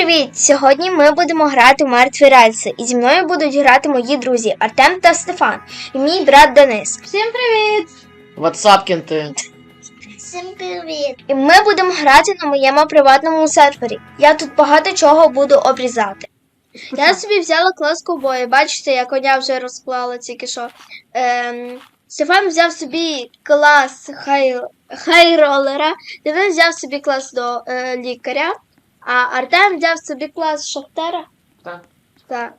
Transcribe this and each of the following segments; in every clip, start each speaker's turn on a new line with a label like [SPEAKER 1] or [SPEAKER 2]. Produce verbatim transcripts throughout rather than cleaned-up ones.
[SPEAKER 1] Привіт! Сьогодні ми будемо грати в мертві рельси, і зі мною будуть грати мої друзі Артем та Стефан, і мій брат Денис.
[SPEAKER 2] Всім привіт!
[SPEAKER 3] Ватсапкінти.
[SPEAKER 1] Всім привіт! І ми будемо грати на моєму приватному сервері. Я тут багато чого буду обрізати. Я собі взяла клас ковбоя, бачите, я коня вже розклала тільки що. Ем, Стефан взяв собі клас хай, хайролера, Денис взяв собі клас до е, лікаря. А Артем взяв собі клас шахтера?
[SPEAKER 3] Так.
[SPEAKER 1] Так.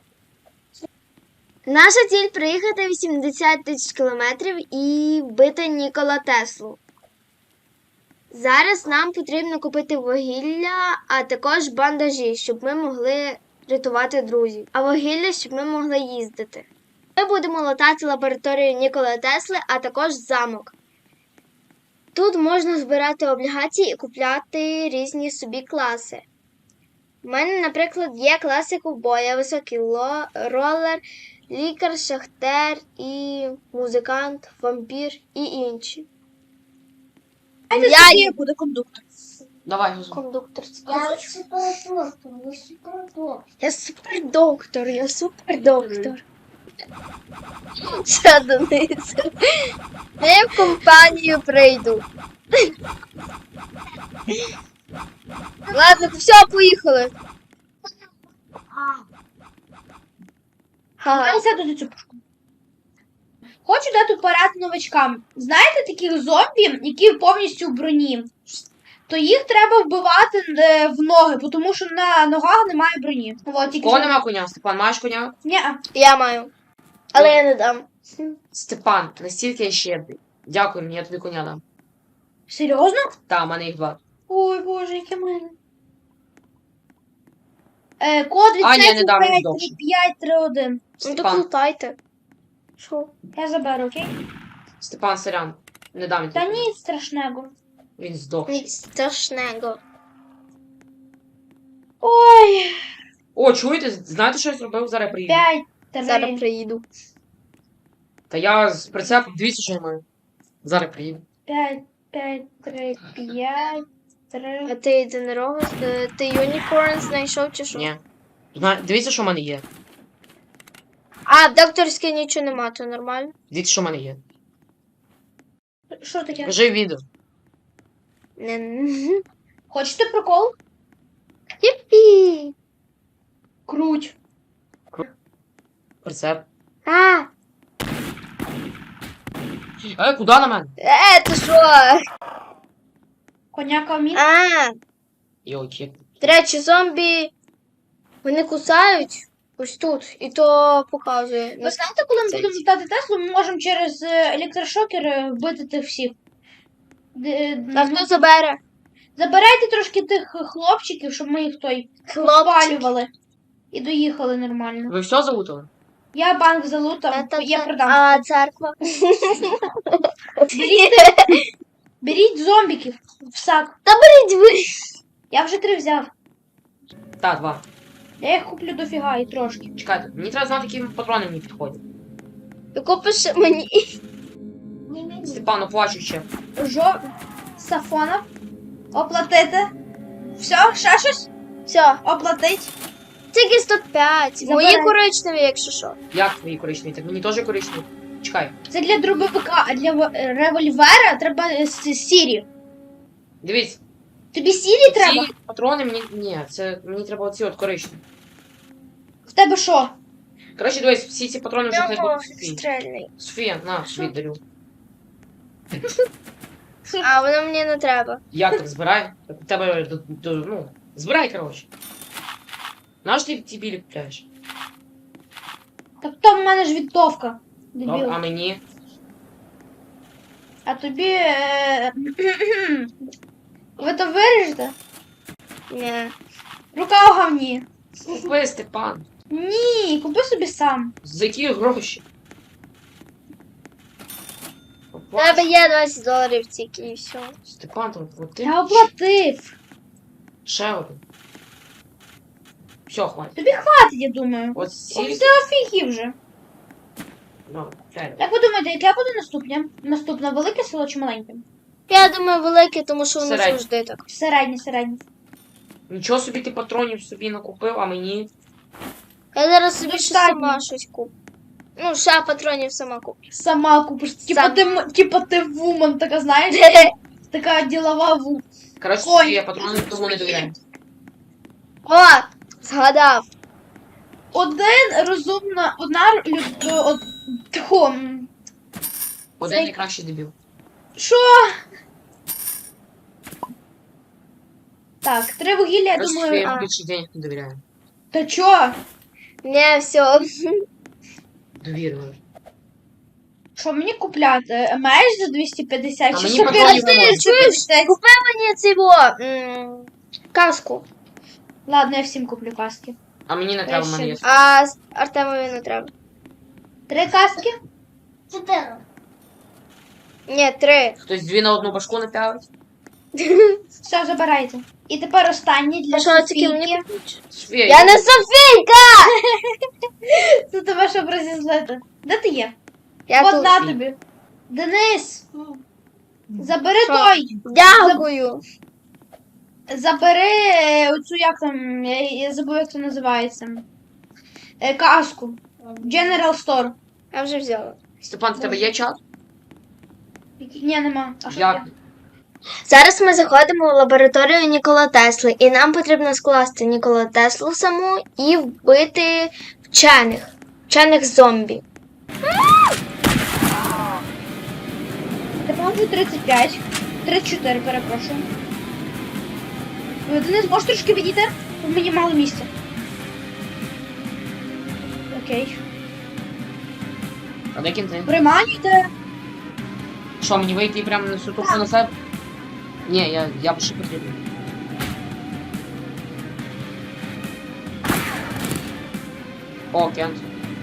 [SPEAKER 1] Наша ціль проїхати вісімдесят тисяч кілометрів і вбити Нікола Теслу. Зараз нам потрібно купити вугілля, а також бандажі, щоб ми могли рятувати друзів. А вугілля, щоб ми могли їздити. Ми будемо латати лабораторію Нікола Тесли, а також замок. Тут можна збирати облігації і купляти різні собі класи. У мене, наприклад, є класи ковбоя, високий ло, ролер, лікар, шахтер і музикант, вампір і інші.
[SPEAKER 2] Я є буде кондуктор.
[SPEAKER 3] Давай, Гузо.
[SPEAKER 1] Кондуктор.
[SPEAKER 4] Я супердоктор, я супердоктор.
[SPEAKER 1] Я супердоктор, я супердоктор. Що, Денис? Я в компанію прийду. Ладно, все, поїхали. Ага.
[SPEAKER 2] Я сяду за цю пушку. Хочу дати порад новачкам. Знаєте таких зомбі, які повністю в броні? То їх треба вбивати е, в ноги, тому що на ногах немає броні. Вот, тільки
[SPEAKER 3] Кого
[SPEAKER 2] що-
[SPEAKER 3] нема коня? Степан, маєш коня?
[SPEAKER 2] Ні-а.
[SPEAKER 1] Я маю. Але я не дам.
[SPEAKER 3] Степан, настільки я щедрий. Дякую мені, я тобі коня дам.
[SPEAKER 2] Серйозно?
[SPEAKER 3] Та, в мене їх два.
[SPEAKER 2] Ой, боже, яке мене. Е, код від
[SPEAKER 3] А, ні, не дам, він
[SPEAKER 2] п'ять
[SPEAKER 3] здохне.
[SPEAKER 2] п'ять три один.
[SPEAKER 1] Ну то
[SPEAKER 3] Степан,
[SPEAKER 1] плутайте. Що?
[SPEAKER 2] Я заберу, окей?
[SPEAKER 3] Степан, сорян. Не дам він
[SPEAKER 2] Та
[SPEAKER 3] тобі.
[SPEAKER 2] ні, страшного.
[SPEAKER 3] Він здох.
[SPEAKER 1] Ніч страшного.
[SPEAKER 2] Ой,
[SPEAKER 3] О, чуєте? Знаєте, що я зробив? Зараз я приїду.
[SPEAKER 2] п'ять три.
[SPEAKER 1] Зараз приїду.
[SPEAKER 3] Та я з прицепом, дивіться, що я маю. Зараз приїду.
[SPEAKER 2] п'ять п'ять три п'ять три.
[SPEAKER 1] А ти єдинорога, е, ти юнікорн знайшов чи що?
[SPEAKER 3] Ні. Зна... Дивіться, що в мене є.
[SPEAKER 1] А, в докторській нічого нема, то нормально.
[SPEAKER 3] Дивіться, що в мене є.
[SPEAKER 2] Що таке?
[SPEAKER 3] Кажи відео.
[SPEAKER 1] Не.
[SPEAKER 2] Хочете прикол?
[SPEAKER 1] Єпі.
[SPEAKER 2] Круть.
[SPEAKER 3] Прицеп.
[SPEAKER 1] А,
[SPEAKER 3] Е, куди на мене?
[SPEAKER 1] е, ти що?
[SPEAKER 2] Коняка мін.
[SPEAKER 1] А,
[SPEAKER 3] Йоки.
[SPEAKER 1] до речі, зомбі, вони кусають ось тут, і то показує.
[SPEAKER 2] Ви знаєте, коли ми
[SPEAKER 1] Це
[SPEAKER 2] будемо
[SPEAKER 1] ці.
[SPEAKER 2] літати Теслу, ми можемо через е, електрошокер е, вбити тих всіх. Д-
[SPEAKER 1] А
[SPEAKER 2] ну,
[SPEAKER 1] хто забере?
[SPEAKER 2] Забирайте трошки тих хлопчиків, щоб ми їх той
[SPEAKER 1] Хлопчик.
[SPEAKER 2] спалювали. І доїхали нормально.
[SPEAKER 3] Ви все залутали?
[SPEAKER 2] Я банк залутав,
[SPEAKER 1] Та-та-та.
[SPEAKER 2] я продам.
[SPEAKER 1] А церква?
[SPEAKER 2] Беріть, беріть зомбіків в сак.
[SPEAKER 1] Беріть ви.
[SPEAKER 2] Я вже три взяв.
[SPEAKER 3] Так, два.
[SPEAKER 2] Я їх куплю дофіга і трошки.
[SPEAKER 3] Чекайте, мені треба знати, які патрони мені підходять.
[SPEAKER 1] Ти купиш мені.
[SPEAKER 3] Степан, оплачу ще.
[SPEAKER 2] Жо... Сафонов. Оплатити. Все, ще щось?
[SPEAKER 1] Все,
[SPEAKER 2] Оплатить.
[SPEAKER 1] тільки сто п'ять.
[SPEAKER 2] Забирай.
[SPEAKER 1] Мої коричневі, якщо що.
[SPEAKER 3] Як твої коричневі? Так мені теж коричневі. Чекай.
[SPEAKER 2] Це для дробовика, а для в- револьвера треба е, с- сірі.
[SPEAKER 3] Дивіться.
[SPEAKER 2] Тобі сірі треба?
[SPEAKER 3] Ці патрони мені. Ні, це мені треба оці от коричневі.
[SPEAKER 2] В тебе що?
[SPEAKER 3] Коротше, дивись, всі ці патрони вже хай
[SPEAKER 1] Я
[SPEAKER 3] будуть Софії.
[SPEAKER 1] стрельний.
[SPEAKER 3] Софія, на,
[SPEAKER 2] Що?
[SPEAKER 3] віддарю.
[SPEAKER 1] А воно мені не треба.
[SPEAKER 3] Як так збирай? Так у тебе до, до, ну, збирай, коротше. Наш ти ті білі купляєш?
[SPEAKER 2] Так то в мене ж відтовка.
[SPEAKER 3] Добре,
[SPEAKER 2] Дебіл.
[SPEAKER 3] а мені?
[SPEAKER 2] А тобі. Е... Ви то виріжете?
[SPEAKER 1] Ні.
[SPEAKER 2] Рука у говні.
[SPEAKER 3] Купи, Степан.
[SPEAKER 2] Ні, купи собі сам.
[SPEAKER 3] За які гроші?
[SPEAKER 1] У
[SPEAKER 3] Оплач.
[SPEAKER 1] тебе є двадцять доларів тільки і все.
[SPEAKER 3] Степан, там плати.
[SPEAKER 2] Я оплатив.
[SPEAKER 3] Ще один. Все, хватить.
[SPEAKER 2] Тобі хватить, я думаю.
[SPEAKER 3] От
[SPEAKER 2] О,
[SPEAKER 3] сіль.
[SPEAKER 2] Це офігів вже.
[SPEAKER 3] Ну, реально.
[SPEAKER 2] Як ви думаєте, яке буде наступне? Наступне велике село чи маленьке?
[SPEAKER 1] Я думаю, велике, тому що воно
[SPEAKER 3] Середнє.
[SPEAKER 1] завжди так.
[SPEAKER 2] Середнє, середнє.
[SPEAKER 3] Нічого собі ти патронів собі накупив, а мені.
[SPEAKER 1] Я зараз собі ще
[SPEAKER 2] Достатньо.
[SPEAKER 1] сама щось куплю. Ну, ще патронів сама куплю.
[SPEAKER 2] Сама купиш. Типа
[SPEAKER 1] Сам.
[SPEAKER 2] ти, м- типа ти вумен, така, знаєш, така ділова ву.
[SPEAKER 3] Коротше,
[SPEAKER 2] Ой.
[SPEAKER 3] я патрони тому не довіряю.
[SPEAKER 1] О, згадав.
[SPEAKER 2] Один розумна, одна люд... Од... Тьху, м,
[SPEAKER 3] Один
[SPEAKER 2] Цей-
[SPEAKER 3] найкращий дебіл.
[SPEAKER 2] Що? Так, три вугілля, я
[SPEAKER 3] Коротше,
[SPEAKER 2] думаю.
[SPEAKER 3] я
[SPEAKER 2] А...
[SPEAKER 3] більше денег не довіряю.
[SPEAKER 2] Та чо?
[SPEAKER 1] Не, все.
[SPEAKER 3] Довірюю.
[SPEAKER 2] Що мені купляти? Меч за двісті п'ятдесят?
[SPEAKER 3] А
[SPEAKER 2] чи
[SPEAKER 3] мені
[SPEAKER 2] сокира
[SPEAKER 3] патронів
[SPEAKER 2] за
[SPEAKER 3] не можна.
[SPEAKER 2] двісті п'ятдесят?
[SPEAKER 1] Купи мені цього м, каску.
[SPEAKER 2] Ладно, я всім куплю каски.
[SPEAKER 3] А мені не треба, в мене є.
[SPEAKER 1] А з- Артемові не треба.
[SPEAKER 2] Три каски?
[SPEAKER 4] Чотири.
[SPEAKER 1] Ні, три.
[SPEAKER 3] Хтось дві на одну башку напялить?
[SPEAKER 2] Все, забирайте. І тепер останній для
[SPEAKER 1] А що тільки
[SPEAKER 2] Софійки.
[SPEAKER 1] мені?
[SPEAKER 3] Софія,
[SPEAKER 1] Я не Софійка!
[SPEAKER 2] Це тебе, щоб розізлити. Де ти є?
[SPEAKER 1] Я
[SPEAKER 2] От
[SPEAKER 1] тут.
[SPEAKER 2] на тобі. Денис, забери
[SPEAKER 1] Що?
[SPEAKER 2] той.
[SPEAKER 1] Дякую.
[SPEAKER 2] Забери е, оцю, як там, я, я забув, як це називається. Е, каску. General Store.
[SPEAKER 1] Я вже взяла.
[SPEAKER 3] Степан, в тебе є чат?
[SPEAKER 2] Ні, нема. А що
[SPEAKER 3] Як?
[SPEAKER 2] є?
[SPEAKER 1] Зараз ми заходимо в лабораторію Нікола Тесли, і нам потрібно скласти Нікола Теслу саму і вбити вчених. Вчених зомбі.
[SPEAKER 2] Тепер вже тридцять п'ять. тридцять чотири, перепрошую. Ви, Денис, можеш трошки відійти? Бо мені мало місця. Окей.
[SPEAKER 3] А де кінти?
[SPEAKER 2] Приманюйте.
[SPEAKER 3] Що, мені вийти прямо на всю тупу на себе? Ні, я, я б ще потрібен. О, Кент.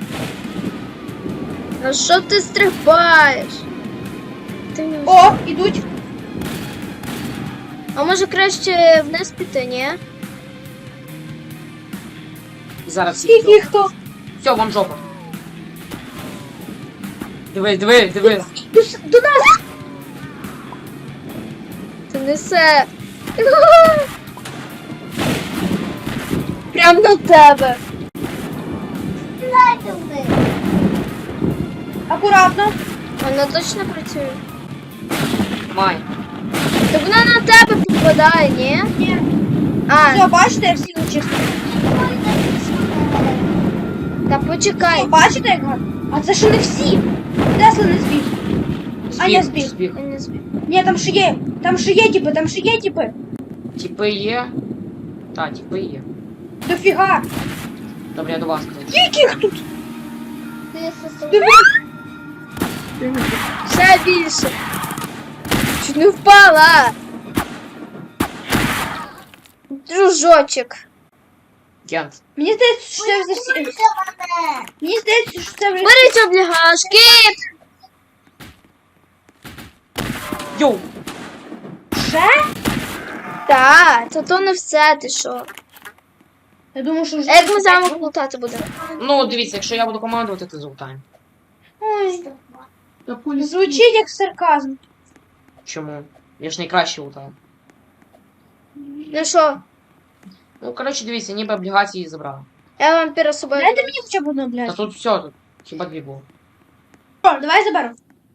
[SPEAKER 1] Ну що ти стрибаєш? Ти не...
[SPEAKER 2] О, ідуть.
[SPEAKER 1] А може краще вниз піти, ні?
[SPEAKER 3] Зараз всі.
[SPEAKER 2] Скільки їх хто?
[SPEAKER 3] Все, вам жопа. Дивись, дивись, дивись.
[SPEAKER 2] До, с- до нас.
[SPEAKER 1] Ти несе. Прям на тебе.
[SPEAKER 4] Дайте ви.
[SPEAKER 2] Акуратно.
[SPEAKER 1] Вона точно працює.
[SPEAKER 3] Май.
[SPEAKER 1] Та вона на тебе попадає, ні?
[SPEAKER 2] Ні.
[SPEAKER 1] А,
[SPEAKER 2] Все, бачите, я всіх зачистив.
[SPEAKER 1] та почекай.
[SPEAKER 2] Бачите, як гарно? А це ще не всі. Тесла не збіг. А, я збіг.
[SPEAKER 3] Збіг.
[SPEAKER 1] Я не збіг.
[SPEAKER 2] Ні, там ще є. Там ще є типи, там ще є типи.
[SPEAKER 3] Тіпи є. Та, тіпи є.
[SPEAKER 2] Дофіга.
[SPEAKER 3] Добре, я до вас кажу.
[SPEAKER 2] Яких тут?
[SPEAKER 4] Ти сосед.
[SPEAKER 2] Диви.
[SPEAKER 1] Ще більше. Чуть не впала. Дружочок.
[SPEAKER 3] Кент.
[SPEAKER 2] Мені здається, що це вже всі.
[SPEAKER 4] мене.
[SPEAKER 2] Мені здається, що це вже.
[SPEAKER 1] Беріть облігашки.
[SPEAKER 3] Йоу!
[SPEAKER 2] Ще?
[SPEAKER 1] Так, то то не все, ти що?
[SPEAKER 2] Я думаю, що вже.
[SPEAKER 1] А як ми замок лутати будемо?
[SPEAKER 3] Ну, дивіться, якщо я буду командувати, то золотаємо.
[SPEAKER 2] Ой, звучить як сарказм.
[SPEAKER 3] Чому? Я ж найкраще лутаю.
[SPEAKER 1] Ну що,
[SPEAKER 3] Ну, коротше, дивіться, ніби облігації забрали.
[SPEAKER 1] я вампіра з собою.
[SPEAKER 2] Дайте мені хоча б одну,
[SPEAKER 3] Та
[SPEAKER 2] блядь.
[SPEAKER 3] тут все, тут хіба дві було.
[SPEAKER 2] О, давай заберу.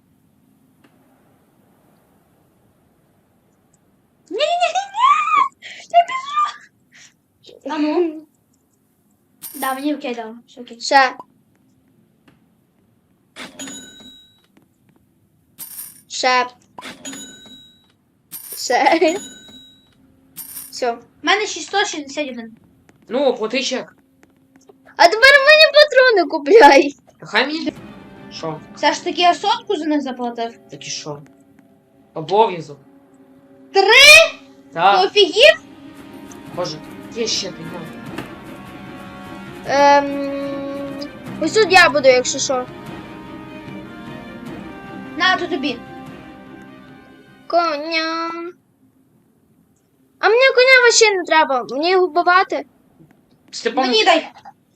[SPEAKER 2] Ні-ні-ні! Я біжу! А ну? Да, мені окей дало. Все окей.
[SPEAKER 1] Ще. Ще. Ще. Все.
[SPEAKER 2] У мене шістсот шістдесят один.
[SPEAKER 3] Ну, плати чек.
[SPEAKER 1] А тепер мені патрони купляй.
[SPEAKER 3] Хай мені. Що?
[SPEAKER 2] Все ж таки я сотку за них заплатив.
[SPEAKER 3] Так і що? Обов'язок.
[SPEAKER 2] Три? Ти
[SPEAKER 3] Так,
[SPEAKER 2] офігів?
[SPEAKER 3] боже, є ще ти ну.
[SPEAKER 1] Ем... Ось тут я буду, якщо що.
[SPEAKER 2] На, то тобі.
[SPEAKER 1] Коня. А мені коня вообще не треба. Мені його вбивати.
[SPEAKER 3] Степан,
[SPEAKER 2] Мені дай.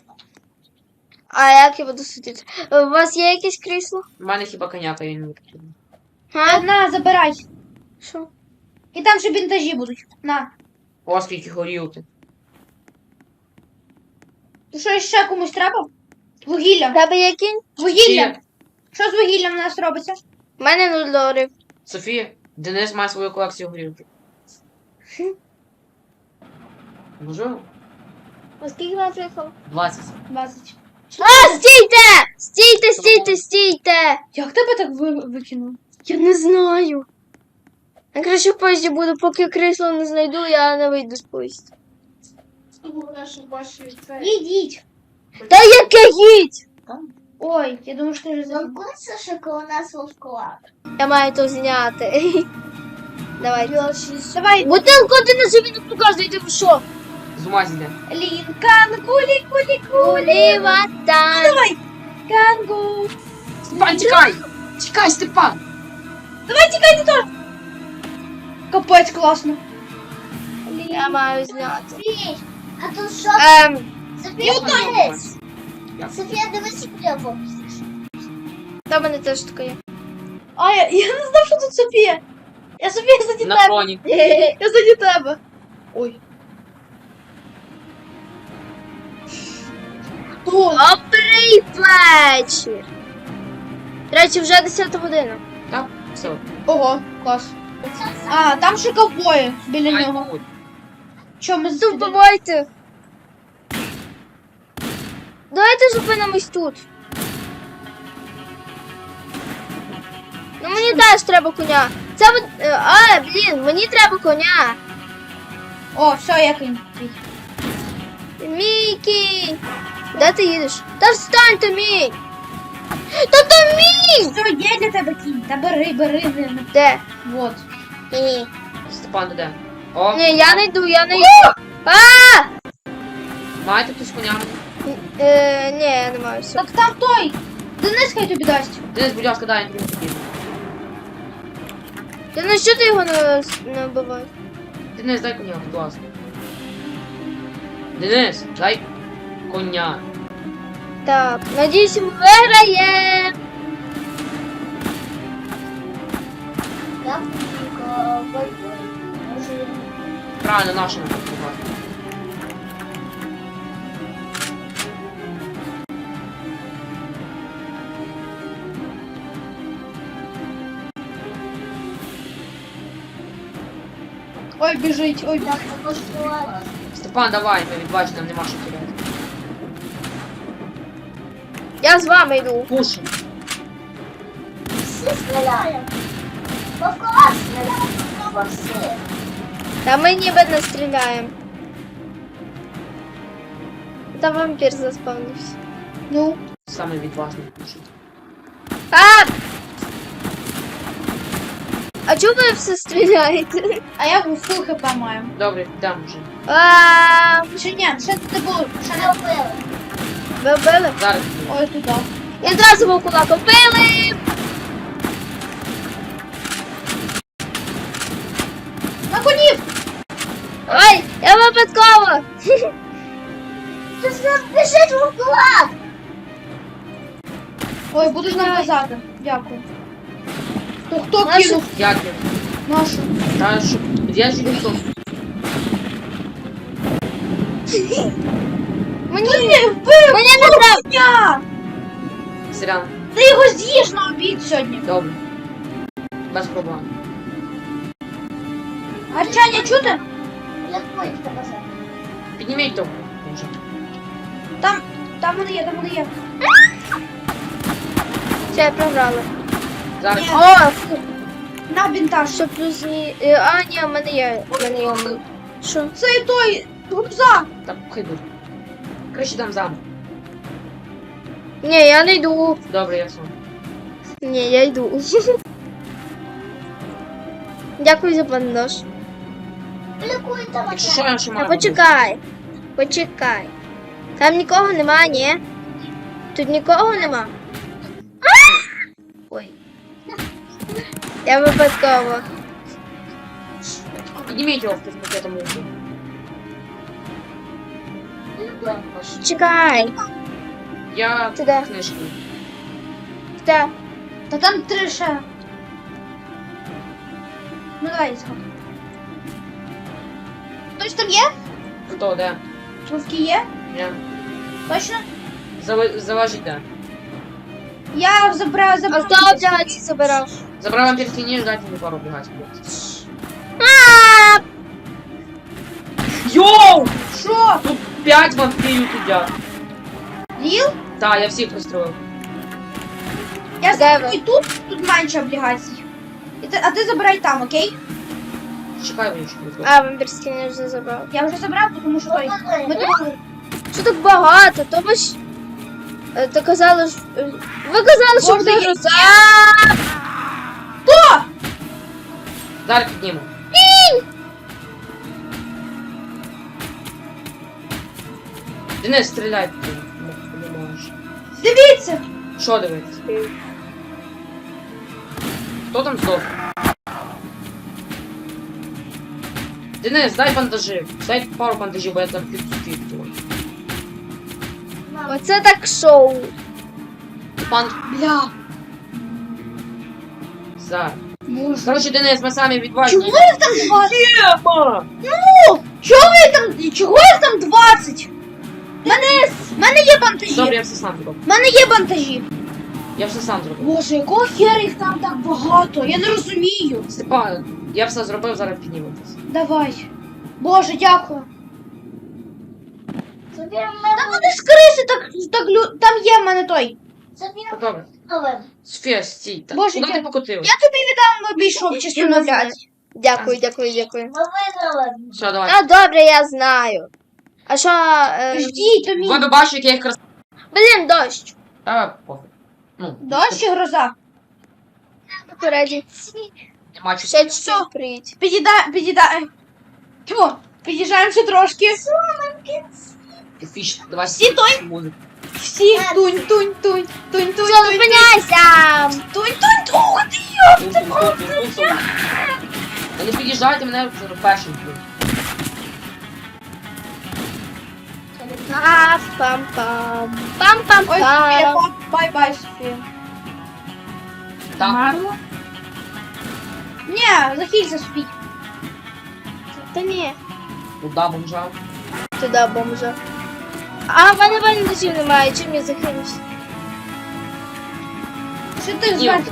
[SPEAKER 1] А як я буду сидіти? Е, У вас є якесь крісло?
[SPEAKER 3] в мене хіба коняка я не потрібна.
[SPEAKER 1] Га?
[SPEAKER 2] На, забирай.
[SPEAKER 1] Що?
[SPEAKER 2] І там ще біндажі будуть. На.
[SPEAKER 3] О, скільки горілки.
[SPEAKER 2] То що ще комусь треба? Вугілля.
[SPEAKER 1] Тебе є кінь?
[SPEAKER 2] Вугілля.
[SPEAKER 3] Софія,
[SPEAKER 2] Що з вугіллям у нас робиться?
[SPEAKER 1] У мене нуль доларів.
[SPEAKER 3] Софія, Денис має свою колекцію горілки. Можливо?
[SPEAKER 1] Оскільки нас виїхав?
[SPEAKER 3] двадцять.
[SPEAKER 2] двадцять.
[SPEAKER 1] А, стійте! Стійте, стійте, стійте!
[SPEAKER 2] Як тебе так ви... викинуло?
[SPEAKER 1] Я не знаю. Я краще в поїзді буду, поки крісло не знайду, я не вийду з поїзда.
[SPEAKER 2] Ідіть.
[SPEAKER 1] Та яке їдь?
[SPEAKER 2] Ой, я думаю, що ти вже забув.
[SPEAKER 4] Замкнуться, що коли нас вовкова.
[SPEAKER 1] Я маю то зняти. Давай.
[SPEAKER 2] Давай,
[SPEAKER 1] Бутилку ти на собі не показуєте, ви що?
[SPEAKER 3] З ума зійде.
[SPEAKER 2] Лінкан, кулі, кулі, кулі.
[SPEAKER 1] Улівата.
[SPEAKER 2] Давай. Кангу.
[SPEAKER 3] Степан, тікай! Тікай, Степан!
[SPEAKER 2] Давай, тікай, ти теж. Капець, класно.
[SPEAKER 1] Я маю зняти.
[SPEAKER 4] Софій, а тут що?
[SPEAKER 1] Ем,
[SPEAKER 4] Софія,
[SPEAKER 3] Я
[SPEAKER 4] дивись.
[SPEAKER 3] Я-
[SPEAKER 4] Софія, дивись, як я вовкнеш.
[SPEAKER 1] та в мене теж таке є.
[SPEAKER 2] А, я, я не знав, що тут Софія. Я Софія заді
[SPEAKER 3] На
[SPEAKER 2] тебе.
[SPEAKER 3] фоні.
[SPEAKER 2] Я заді тебе. Ой. Хто?
[SPEAKER 1] Добрий вечір. До речі, вже десята година.
[SPEAKER 3] Так, все.
[SPEAKER 2] Ого, клас. А, там ще ковбої біля
[SPEAKER 3] Ай,
[SPEAKER 2] нього.
[SPEAKER 3] ой.
[SPEAKER 2] Чо, ми
[SPEAKER 1] То
[SPEAKER 2] з
[SPEAKER 1] вбивайте. Давайте зупинимось тут. Ну мені теж треба коня. Це ви- е, а, блін, мені треба коня.
[SPEAKER 2] О, все, я кінь.
[SPEAKER 1] Мій кінь. Де ти їдеш? Та встань, то мій. Та то мій.
[SPEAKER 2] Все, є для тебе кінь. Та бери, бери. бери.
[SPEAKER 1] Де?
[SPEAKER 2] Вот.
[SPEAKER 1] Ні.
[SPEAKER 3] Степан, ти де? О,
[SPEAKER 1] Ні, я не йду, я не йду. А!
[SPEAKER 3] маєте хтось коня?
[SPEAKER 1] Е, ні, я не маю все.
[SPEAKER 2] Так там той. Денис хай тобі дасть.
[SPEAKER 3] Денис, будь ласка, дай мені тобі.
[SPEAKER 1] Та на що ти його не, не вбиваєш?
[SPEAKER 3] Денис, дай коня, будь ласка. Денис, дай коня.
[SPEAKER 1] Так, надіюсь, ми виграємо.
[SPEAKER 4] Так, ковбой. Може,
[SPEAKER 3] Правильно, нашому покупати.
[SPEAKER 2] Ой, біжить, ой,
[SPEAKER 4] так, також була.
[SPEAKER 3] Степан, давай, ми відбачимо, нам нема що теряти.
[SPEAKER 1] Я з вами йду.
[SPEAKER 3] Пушим.
[SPEAKER 4] Всі стріляємо. Вовкова стріляє, вовкова всі.
[SPEAKER 1] Та ми ніби не стріляємо. Та вампір заспавнився.
[SPEAKER 2] ну.
[SPEAKER 3] Саме відважний пушить.
[SPEAKER 1] А! А чого ви все стріляєте?
[SPEAKER 2] А я фул хп маю.
[SPEAKER 3] Добре, йдемо вже.
[SPEAKER 1] А,
[SPEAKER 2] Ще ні, ще не було. Ще не.
[SPEAKER 4] Що вбили?
[SPEAKER 1] ви вбили?
[SPEAKER 3] Зараз.
[SPEAKER 2] Ой, туди.
[SPEAKER 1] І одразу вовкула купили.
[SPEAKER 2] На конів!
[SPEAKER 1] Ой, я випадково.
[SPEAKER 4] Тут біжить вовкова!
[SPEAKER 2] Ой, будеш нам казати. Дякую. То хто
[SPEAKER 1] Нашу-
[SPEAKER 2] кинув
[SPEAKER 3] Як я?
[SPEAKER 2] нашу?
[SPEAKER 3] Та що? Я ж не
[SPEAKER 1] Мені,
[SPEAKER 2] Ти вбив
[SPEAKER 1] мені не треба.
[SPEAKER 2] коня!
[SPEAKER 3] Сирян.
[SPEAKER 2] Ти його з'їш на обід сьогодні.
[SPEAKER 3] Добре. Без проблем.
[SPEAKER 2] Гарчання чути?
[SPEAKER 4] Як будете казати?
[SPEAKER 3] Підніміть того. Може.
[SPEAKER 2] Там, там вони є, там вони є.
[SPEAKER 1] Все, я програла.
[SPEAKER 3] Зараз.
[SPEAKER 2] Ні.
[SPEAKER 1] О, фу.
[SPEAKER 2] На бінтаж.
[SPEAKER 1] Що плюс ні. е, А, ні, в мене є. В мене є. мій. Що?
[SPEAKER 2] Це і той рюкзак.
[SPEAKER 3] Так, хай буде. Краще дам замок.
[SPEAKER 1] Ні, я не йду.
[SPEAKER 3] Добре, я сам.
[SPEAKER 1] Ні, я йду. Дякую за бандаж.
[SPEAKER 4] Лікуйте
[SPEAKER 3] Якщо що,
[SPEAKER 4] мене.
[SPEAKER 3] я ще
[SPEAKER 1] Та
[SPEAKER 3] маю.
[SPEAKER 1] почекай. Почекай. Там нікого нема, ні? Тут нікого нема. А! Ой. Я випадково.
[SPEAKER 3] Підніміть його в пакетом муки.
[SPEAKER 1] Чекай.
[SPEAKER 3] Я
[SPEAKER 1] Ти де?
[SPEAKER 3] книжки.
[SPEAKER 1] Та.
[SPEAKER 2] Та там три ще. Ну давай, згод. Хтось там є?
[SPEAKER 3] Хто, де?
[SPEAKER 2] Вовки є?
[SPEAKER 3] Я.
[SPEAKER 2] Точно?
[SPEAKER 3] Зава- Залежить де.
[SPEAKER 2] Я забрав,
[SPEAKER 1] А
[SPEAKER 2] забрав.
[SPEAKER 1] хто облігації забирав?
[SPEAKER 3] Забрав вам перстені, дайте мені пару облігацій.
[SPEAKER 1] А,
[SPEAKER 3] Йоу!
[SPEAKER 2] Що?
[SPEAKER 3] Тут п'ять вампірів сидять.
[SPEAKER 2] Ліл?
[SPEAKER 3] Так, я всіх пристроїв.
[SPEAKER 2] Я
[SPEAKER 1] Де
[SPEAKER 2] заберу
[SPEAKER 1] ви?
[SPEAKER 2] і тут, тут менше облігацій. І ти, а ти забирай там, окей?
[SPEAKER 3] Чекай, мені що тут.
[SPEAKER 1] А, вампірський не вже забрав.
[SPEAKER 2] Я вже забрав, тому що той. Ми тут...
[SPEAKER 1] Що так багато? То ви ж... е, То казали ж... е, Ви казали, що
[SPEAKER 2] Боже,
[SPEAKER 1] буде
[SPEAKER 2] я-
[SPEAKER 1] гроза.
[SPEAKER 3] Зараз підніму. Денис, стріляй. Ти не можеш.
[SPEAKER 2] Дивіться!
[SPEAKER 3] Що дивитися? Хто там здох? Денис, дай бандажи. Дай пару бандажів, бо я там підступив.
[SPEAKER 1] Оце так шоу.
[SPEAKER 3] Пан...
[SPEAKER 2] Бля.
[SPEAKER 3] Зараз.
[SPEAKER 2] Боже.
[SPEAKER 3] Короче, Денис, ми самі відважні.
[SPEAKER 2] Чого їх там двадцять?
[SPEAKER 3] Тема!
[SPEAKER 2] Ну! Чого їх там, чого їх там двадцять? В мене, в мене є бантажі.
[SPEAKER 3] Добре, я все сам зробив.
[SPEAKER 2] В мене є бантажі.
[SPEAKER 3] Я все сам зробив.
[SPEAKER 2] Боже, якого хера їх там так багато? Я не розумію.
[SPEAKER 3] Степан, я все зробив, зараз підніметесь.
[SPEAKER 2] Давай. Боже, дякую.
[SPEAKER 4] Забір
[SPEAKER 2] Та
[SPEAKER 4] мене.
[SPEAKER 2] вони ж криси так, так лю... Там є в мене той.
[SPEAKER 4] Забір
[SPEAKER 3] Та добре.
[SPEAKER 4] мене.
[SPEAKER 3] Софія, стій. Та
[SPEAKER 2] Боже,
[SPEAKER 3] куди
[SPEAKER 2] я-
[SPEAKER 3] ти покотилась?
[SPEAKER 2] Я тобі віддам обійшов частину блядь.
[SPEAKER 1] Дякую, дякую, дякую.
[SPEAKER 4] Ми виграли.
[SPEAKER 3] Все, давай.
[SPEAKER 1] А, добре, я знаю. А що... Е...
[SPEAKER 2] Ждіть, то мій.
[SPEAKER 3] Ви б бачили, як я їх крас...
[SPEAKER 1] Блін, дощ.
[SPEAKER 3] Та пофіг. Ну,
[SPEAKER 2] Дощ чи гроза?
[SPEAKER 1] Попереді.
[SPEAKER 3] нема чого.
[SPEAKER 1] Ще чуть-чуть приїдь.
[SPEAKER 2] Підіда... Підіда... Тьфу, під'їжджаємо ще трошки.
[SPEAKER 3] Фіш, давай.
[SPEAKER 2] Всі той?
[SPEAKER 3] Музику.
[SPEAKER 2] Всі тунь, тунь, тунь, тунь, тунь,
[SPEAKER 1] Все,
[SPEAKER 2] тунь,
[SPEAKER 1] зупиняйся!
[SPEAKER 2] тунь, тунь, тунь, ух ти йо!
[SPEAKER 3] Це просто... Та не під'їжджайте мене це першим.
[SPEAKER 1] А, пам-пам.
[SPEAKER 2] Ой,
[SPEAKER 1] Пам-пам-пам.
[SPEAKER 2] Софія, бай-бай, Софія.
[SPEAKER 3] Так.
[SPEAKER 2] Марно? Ні, захилься, Софій.
[SPEAKER 1] Та ні.
[SPEAKER 3] Куда бомжав?
[SPEAKER 1] Туди бомжа. А, в мене бандажів немає, чим я захилюсь?
[SPEAKER 2] Що ти
[SPEAKER 3] Ні.
[SPEAKER 2] зверху?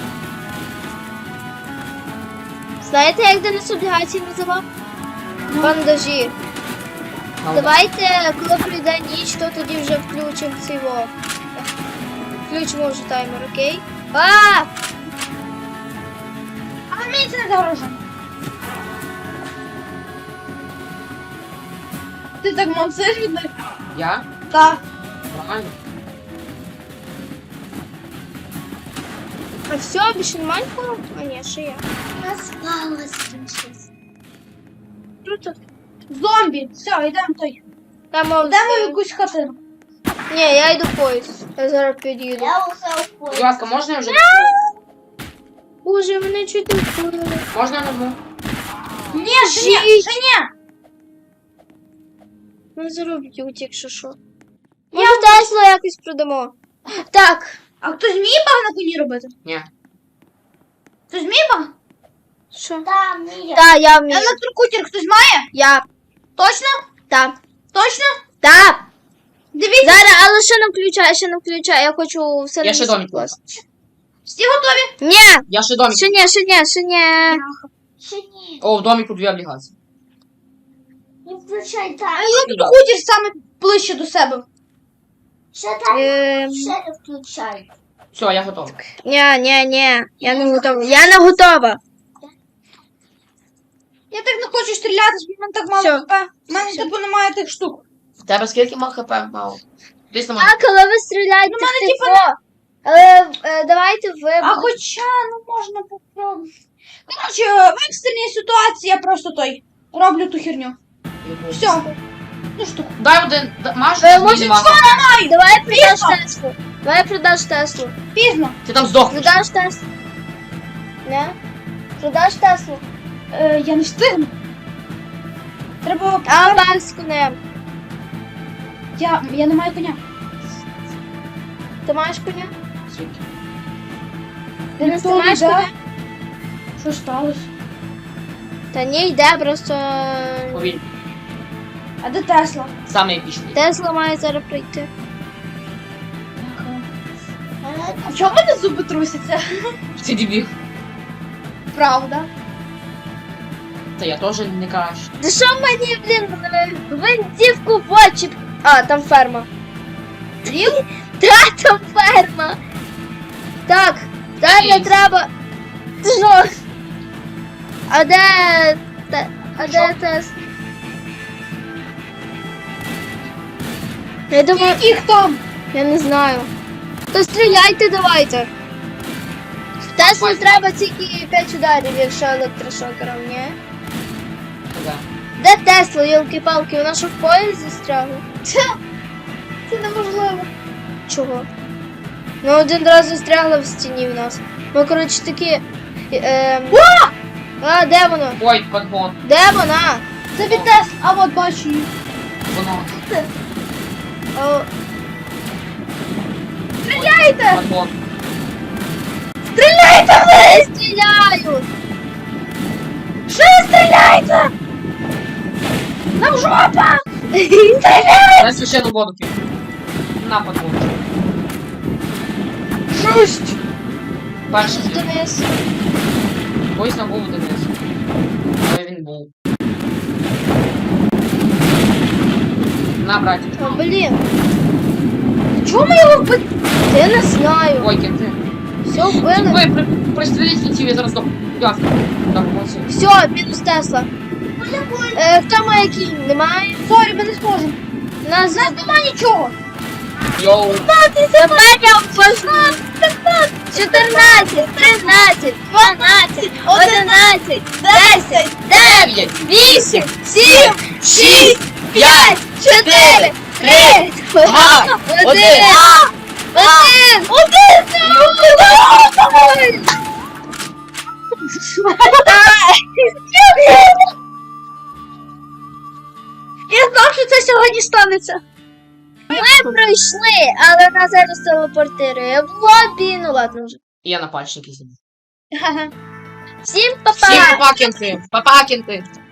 [SPEAKER 1] Знаєте, як Денис облігації називав? Бандажі.
[SPEAKER 3] Давай.
[SPEAKER 1] Давайте, коли прийде ніч, то тоді вже включимо цього. Включимо вже таймер, окей? А!
[SPEAKER 2] А мені це не загрожує. Ти так мансиш від них?
[SPEAKER 3] Я?
[SPEAKER 2] Так.
[SPEAKER 3] Нормально.
[SPEAKER 1] А все, більше немає нікого? А ні, ще є.
[SPEAKER 4] Нас спалось там щось.
[SPEAKER 1] Круто.
[SPEAKER 2] Зомбі. Все, йдемо той.
[SPEAKER 1] Там
[SPEAKER 2] Йдемо в
[SPEAKER 1] Йдемо
[SPEAKER 2] якусь хатину.
[SPEAKER 1] Ні, я йду в поїзд. Я зараз під'їду.
[SPEAKER 4] Я усе в
[SPEAKER 3] Будь
[SPEAKER 4] полі.
[SPEAKER 3] ласка, можна я вже...
[SPEAKER 1] Боже, мене чуть не вкурили.
[SPEAKER 3] Можна я назву?
[SPEAKER 2] Ні, ще ні, ще ні.
[SPEAKER 1] Ми зароб'ють, якщо що. Може, Теслу якось продамо. Так.
[SPEAKER 2] А хтось вміє баг на коні робити?
[SPEAKER 3] Ні.
[SPEAKER 2] Хтось вміє баг?
[SPEAKER 1] Що?
[SPEAKER 4] Там ні.
[SPEAKER 1] Так, я вмію.
[SPEAKER 2] Електрокутер хтось має?
[SPEAKER 1] Я.
[SPEAKER 2] Точно?
[SPEAKER 1] Так.
[SPEAKER 2] Точно?
[SPEAKER 1] Так.
[SPEAKER 2] Дивіться,
[SPEAKER 1] Зараз, але ще не включай, ще не включай. Я хочу все
[SPEAKER 3] Я ще
[SPEAKER 1] на
[SPEAKER 3] домик клас.
[SPEAKER 2] всі готові?
[SPEAKER 1] Ні,
[SPEAKER 3] Я ще домик.
[SPEAKER 1] ще ні, ще ні, ще ні.
[SPEAKER 4] Ще ні.
[SPEAKER 3] О, в домику дві облігації.
[SPEAKER 4] Не включай там.
[SPEAKER 2] Електрокутер саме ближче до себе.
[SPEAKER 4] Ще там.
[SPEAKER 1] Ем,
[SPEAKER 4] Ще не включай.
[SPEAKER 3] Все, я готовий.
[SPEAKER 1] Ні, ні, ні. Я не готова. Я не готова.
[SPEAKER 2] Я так не хочу стріляти, бо в мене так мало
[SPEAKER 1] Всьо.
[SPEAKER 2] хп. У мене типу немає тих штук.
[SPEAKER 3] В тебе скільки мав хп мало? Десь на мене.
[SPEAKER 1] А, коли ви стріляєте,
[SPEAKER 2] Ну, мене,
[SPEAKER 1] типу... Але е, давайте ви...
[SPEAKER 2] А хоча, ну можна попробувати. Коротше, в екстреній ситуації я просто той роблю ту херню. Все. Ну штуку.
[SPEAKER 3] Дай один. да- Маш,
[SPEAKER 1] Ви
[SPEAKER 3] ні,
[SPEAKER 1] можете
[SPEAKER 3] нема.
[SPEAKER 1] Давай продаш Теслу. Давай продаш Теслу.
[SPEAKER 2] Пізно.
[SPEAKER 3] Ти там здохнеш.
[SPEAKER 1] Продаш Теслу. Не? Продаш Теслу.
[SPEAKER 2] Е, я не встигну. Треба.
[SPEAKER 1] А, баг з конем.
[SPEAKER 2] Я, я не маю коня.
[SPEAKER 1] Ти маєш коня?
[SPEAKER 3] Звідки?
[SPEAKER 1] Денис, ти
[SPEAKER 2] Ніхто не
[SPEAKER 1] маєш
[SPEAKER 2] йде.
[SPEAKER 1] коня?
[SPEAKER 2] Що сталося?
[SPEAKER 1] Та ні, йде, просто...
[SPEAKER 3] Повільно.
[SPEAKER 2] А А де Тесла?
[SPEAKER 3] Саме епічний.
[SPEAKER 1] Тесла має зараз прийти.
[SPEAKER 2] А чому в мене зуби трусяться?
[SPEAKER 3] Ти дебіл.
[SPEAKER 2] Правда.
[SPEAKER 3] Та я теж не краще.
[SPEAKER 1] Та що мені, блін, гвинтівку в очі? А, там ферма.
[SPEAKER 2] Дів?
[SPEAKER 1] Та, там ферма. Так, далі
[SPEAKER 3] Ей.
[SPEAKER 1] треба. Ти що? А де... Те... А де Тесла? Я думаю,
[SPEAKER 2] Яких там?
[SPEAKER 1] я не знаю. То стріляйте давайте. Теслу
[SPEAKER 3] Ой.
[SPEAKER 1] треба тільки п'ять ударів, якщо електрошокером, ні?
[SPEAKER 3] Да.
[SPEAKER 1] Де Тесла, йолки-палки, вона що в поїзд застрягла?
[SPEAKER 2] Це неможливо.
[SPEAKER 1] Чого? Ну один раз застрягла в стіні в нас. Ми, коротше, такі. Ем... А, де вона?
[SPEAKER 3] Ой, подгон.
[SPEAKER 1] Де вона?
[SPEAKER 2] Це від Тесла. А от бачу її.
[SPEAKER 3] Воно.
[SPEAKER 1] О,
[SPEAKER 2] Стріляйте!
[SPEAKER 3] Подгон.
[SPEAKER 1] стріляйте, вони стріляють!
[SPEAKER 2] Що стріляйте? Нам жопа!
[SPEAKER 3] Дай священну воду кину. На подгон.
[SPEAKER 2] Жесть!
[SPEAKER 3] Перший.
[SPEAKER 1] Денис.
[SPEAKER 3] Ось на був Денис. Але він був. На, братик.
[SPEAKER 1] О, блін,
[SPEAKER 2] Чому ми його вбили?
[SPEAKER 1] я не знаю.
[SPEAKER 3] Ой, кінти.
[SPEAKER 1] Все вбили.
[SPEAKER 3] Ви при, пристріліть кінців, я зараз до... Ясно. Так, молодці.
[SPEAKER 1] Все, мінус Тесла. Е, хто має кінь? Немає?
[SPEAKER 2] Сорі, ми не зможемо.
[SPEAKER 1] У нас
[SPEAKER 2] У нас нема нічого.
[SPEAKER 3] Йоу.
[SPEAKER 1] Тепер я впашу. чотирнадцять, тринадцять, дванадцять, одинадцять, десять, дев'ять, вісім, сім, шість, п'ять, чотири, три,
[SPEAKER 3] Два,
[SPEAKER 1] один,
[SPEAKER 3] один.
[SPEAKER 1] один, один,
[SPEAKER 2] Я знав, що це сьогодні станеться.
[SPEAKER 1] Ми пройшли, але нас зараз телепортирує в лобі. Ну ладно вже.
[SPEAKER 3] І я на пальчики сидів.
[SPEAKER 1] Всім па-па!
[SPEAKER 3] Всім папа кінти. Папа кінти.